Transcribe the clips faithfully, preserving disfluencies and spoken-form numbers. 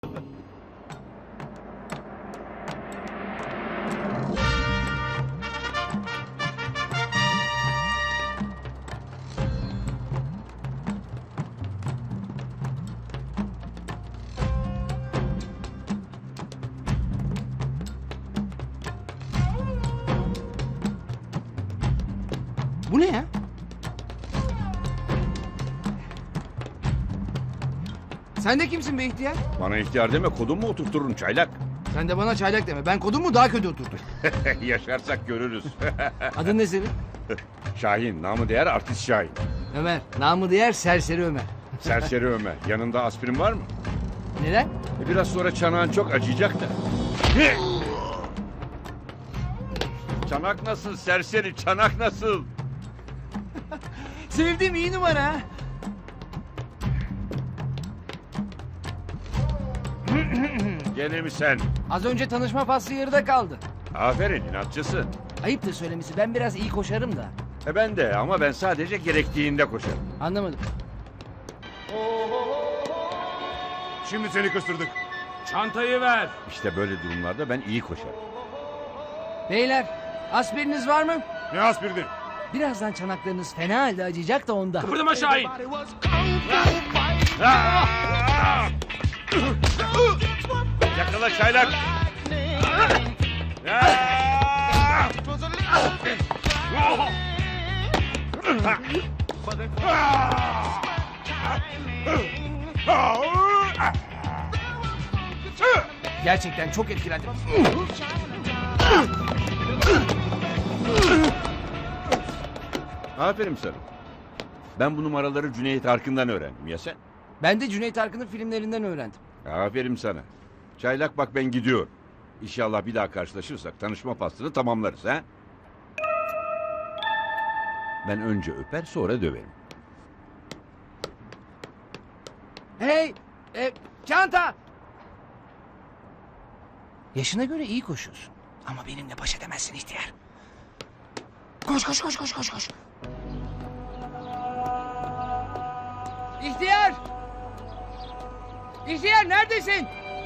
Bu ne ya? Sen de kimsin be ihtiyar? Bana ihtiyar deme, kodum mu oturturum çaylak? Sen de bana çaylak deme. Ben kodumu daha kötü oturdum. Yaşarsak görürüz. Adın ne senin? Şahin, namı değer artist Şahin. Ömer. Namı diğer Serseri Ömer. Serseri Ömer. Yanında aspirin var mı? Neden? E biraz sonra çanağın çok acıyacak da. Çanak nasıl serseri, çanak nasıl? Sevdiğim iyi numara ha. Gene mi sen? Az önce tanışma faslı yarıda kaldı. Aferin, inatçısın. Ayıptır söylemesi. Ben biraz iyi koşarım da. E ben de ama ben sadece gerektiğinde koşarım. Anlamadım. Şimdi seni kıstırdık. Çantayı ver. İşte böyle durumlarda ben iyi koşarım. Beyler, aspiriniz var mı? Ne aspirini? Birazdan çanaklarınız fena halde acıyacak da onda. Kıpırdama Şahin. Yakala çaylak. Gerçekten çok etkilendim. Aferin sana. Ben bu numaraları Cüneyt Arkın'dan öğrendim. Ya sen? Ben de Cüneyt Arkın'ın filmlerinden öğrendim. Aferin sana. Çaylak bak ben gidiyorum. İnşallah bir daha karşılaşırsak tanışma faslını tamamlarız ha. Ben önce öper sonra döverim. Hey! E, çanta! Yaşına göre iyi koşuyorsun. Ama benimle baş edemezsin ihtiyar. Koş koş koş koş koş koş. İhtiyar! İhtiyar neredesin?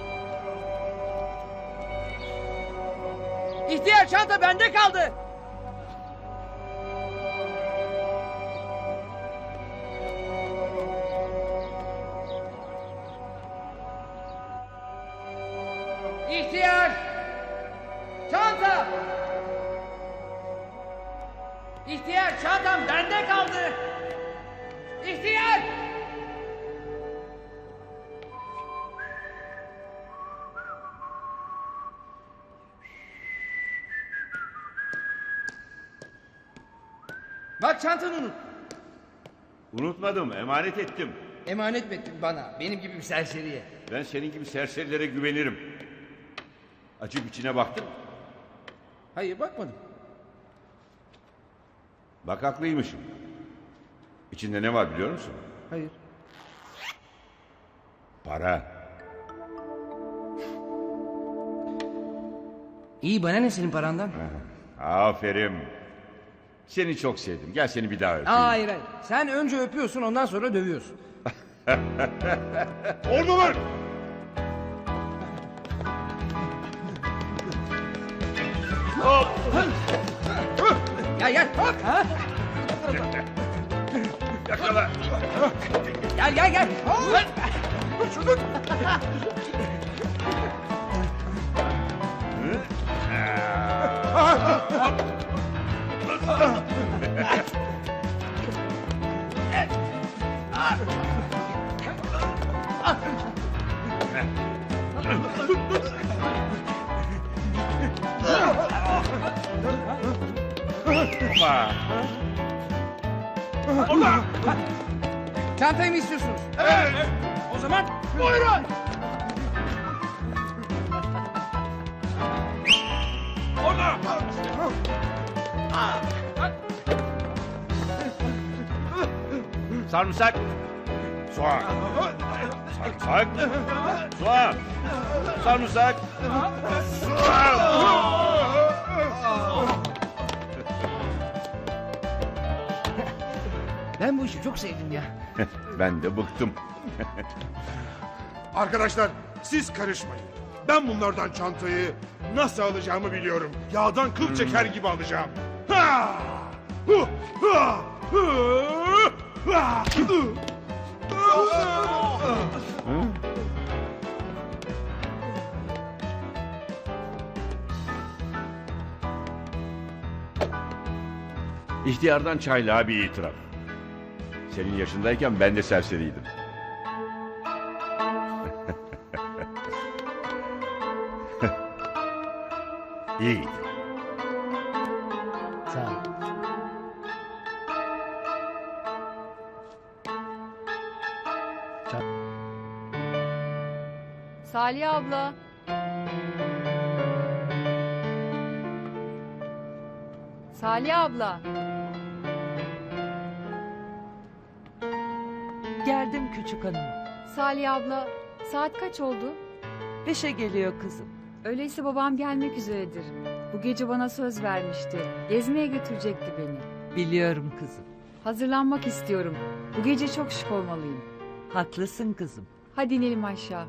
İhtiyar çanta bende kaldı. İhtiyar! Çanta! İhtiyar çantam bende kaldı. İhtiyar! Bak çantanı unut. Unutmadım, emanet ettim. Emanet mi ettin bana? Benim gibi bir serseriye. Ben senin gibi serserilere güvenirim. Açıp içine baktın mı? Hayır bakmadım. Bak haklıymışım. İçinde ne var biliyor musun? Hayır. Para. İyi bana ne senin parandan? Aferin. Seni çok sevdim. Gel seni bir daha öpeyim. Hayır hayır. Sen önce öpüyorsun ondan sonra dövüyorsun. Oradalar! Gel gel. Ha? Yakala. Gel gel gel. Ama. Çantayı mı istiyorsunuz? Evet! O zaman buyurun. Orada! Sarımsak. Soğan. Sarımsak. Soğan. Sarımsak. Soğan. Ben bu işi çok sevdim ya. Ben de bıktım. Arkadaşlar Siz karışmayın. Ben bunlardan çantayı nasıl alacağımı biliyorum. Yağdan kıl çeker gibi alacağım. Ha! Hu! Ha! Hı! Ha! Hı! İhtiyardan çaylığa bir itiraf. Senin yaşındayken ben de serseriydim. İyiydi. Sağ ol. Salih abla. Salih abla. Geldim küçük hanım. Salih abla. Saat kaç oldu? Beşe geliyor kızım. Öyleyse babam gelmek üzeredir. Bu gece bana söz vermişti. Gezmeye götürecekti beni. Biliyorum kızım. Hazırlanmak istiyorum. Bu gece çok şık olmalıyım. Haklısın kızım. Hadi inelim aşağı.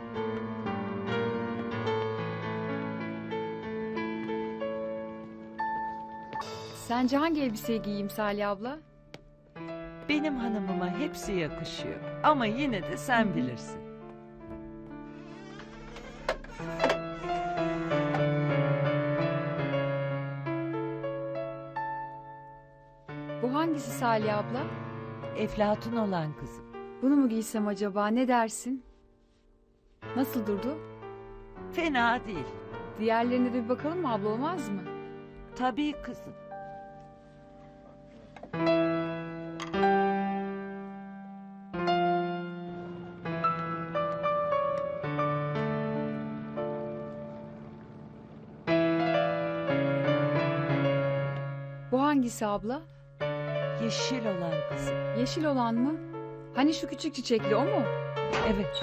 Sence hangi elbiseyi giyeyim Salih abla? Benim hanımıma hepsi yakışıyor. Ama yine de sen bilirsin. Bu hangisi Salih abla? Eflatun olan kızım. Bunu mu giysem acaba, ne dersin? Nasıl durdu? Fena değil. Diğerlerine de bir bakalım mı abla, olmaz mı? Tabii kızım. Bu hangisi abla? Yeşil olan kızım. Yeşil olan mı? Hani şu küçük çiçekli, o mu? Evet.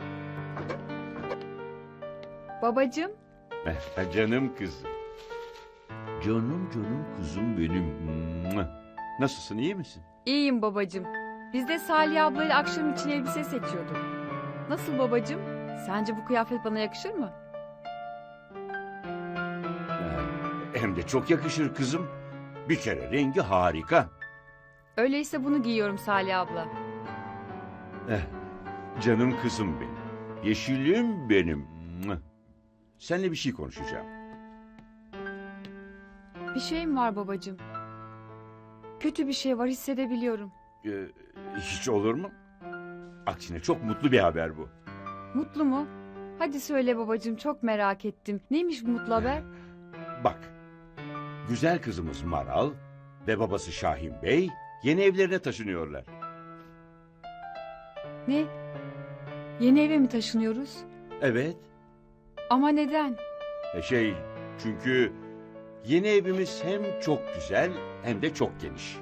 Babacığım, Canım kızım. Canım canım kızım benim. Nasılsın, iyi misin? iyiyim babacığım. Biz de Salih ablayla akşam için elbise seçiyorduk. Nasıl babacığım? Sence bu kıyafet bana yakışır mı? Hem de çok yakışır kızım. Bir kere rengi harika. Öyleyse bunu giyiyorum Salih abla. Eh, canım kızım benim. Yeşilim benim. Seninle bir şey konuşacağım. Bir şey mi var babacığım? Kötü bir şey var, hissedebiliyorum. Ee, hiç olur mu? Aksine çok mutlu bir haber bu. Mutlu mu? Hadi söyle babacığım, çok merak ettim. Neymiş bu mutlu haber? Bak, güzel kızımız Maral ve babası Şahin Bey yeni evlerine taşınıyorlar. Ne? Yeni eve mi taşınıyoruz? Evet, Ama neden? e şey çünkü yeni evimiz hem çok güzel hem de çok geniş.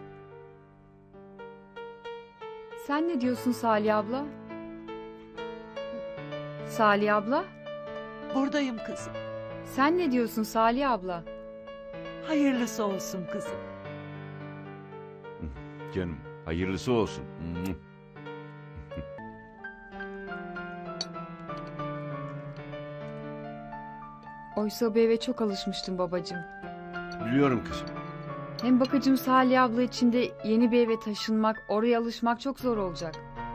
Sen ne diyorsun Salih abla? Salih abla? Buradayım kızım. Sen ne diyorsun Salih abla? Hayırlısı olsun kızım. Canım, hayırlısı olsun. Oysa bu eve çok alışmıştım babacığım. Biliyorum kızım. Hem bakıcım Salih abla için de yeni bir eve taşınmak, oraya alışmak çok zor olacak.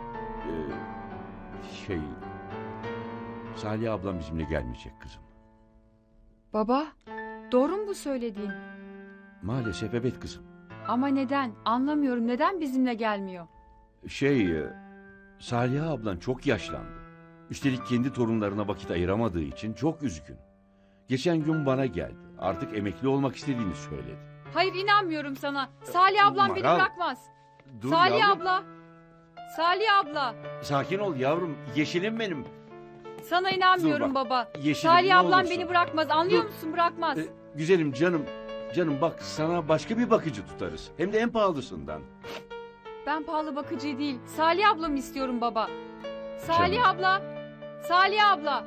Ee, şey... Salih ablam bizimle gelmeyecek kızım. Baba, doğru mu bu söylediğin? Maalesef evet kızım. Ama neden? Anlamıyorum, neden bizimle gelmiyor? Şey... e, Salih ablan çok yaşlandı. Üstelik kendi torunlarına vakit ayıramadığı için çok üzgün. Geçen gün bana geldi. Artık emekli olmak istediğini söyledi. Hayır, inanmıyorum sana. Salih ablam beni Maral, bırakmaz. Dur Salih yavrum. abla. Salih abla. Sakin ol yavrum. Yeşilim benim. Sana inanmıyorum Dur bak, baba. Yeşilim, Salih ne ablam olursun. beni bırakmaz. Anlıyor Dur. musun? Bırakmaz. Ee, güzelim canım. Canım bak, sana başka bir bakıcı tutarız. Hem de en pahalısından. Ben pahalı bakıcı değil. Salih ablamı istiyorum baba. Salih Canım. abla. Salih abla.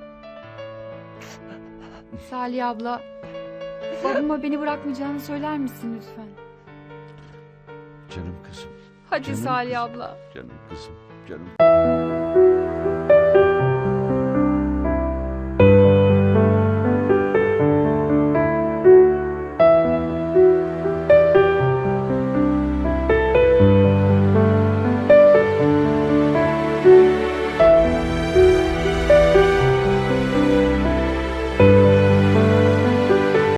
Salih abla. Babama beni bırakmayacağını söyler misin lütfen? Canım kızım. Hadi Canım Salih kızım. abla. Canım kızım. Canım